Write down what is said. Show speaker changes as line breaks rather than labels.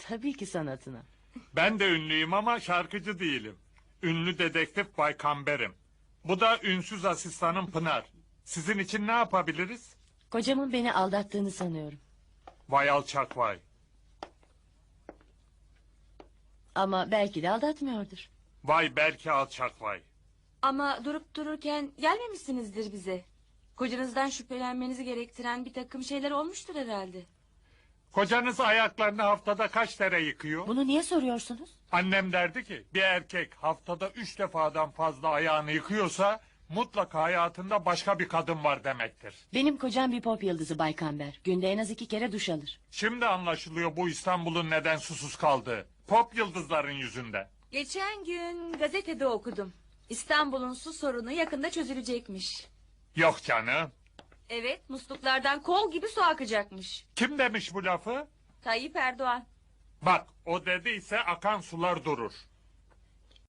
Tabii ki sanatına.
Ben de ünlüyüm ama şarkıcı değilim. Ünlü dedektif Bay Kamber'im. Bu da ünsüz asistanım Pınar. Sizin için ne yapabiliriz?
Kocamın beni aldattığını sanıyorum.
Vay alçak vay.
Ama belki de aldatmıyordur.
Vay belki alçak vay.
Ama durup dururken gelmemişsinizdir bize. Kocanızdan şüphelenmenizi gerektiren bir takım şeyler olmuştur herhalde.
Kocanız ayaklarını haftada kaç kere yıkıyor?
Bunu niye soruyorsunuz?
Annem derdi ki bir erkek haftada 3 defadan fazla ayağını yıkıyorsa mutlaka hayatında başka bir kadın var demektir.
Benim kocam bir pop yıldızı Bay Kamber. Günde en az 2 kere duş alır.
Şimdi anlaşılıyor bu İstanbul'un neden susuz kaldığı. Pop yıldızların yüzünden.
Geçen gün gazetede okudum. İstanbul'un su sorunu yakında çözülecekmiş.
Yok canım.
Evet, musluklardan kol gibi su akacakmış.
Kim demiş bu lafı?
Tayyip Erdoğan.
Bak o dediyse akan sular durur.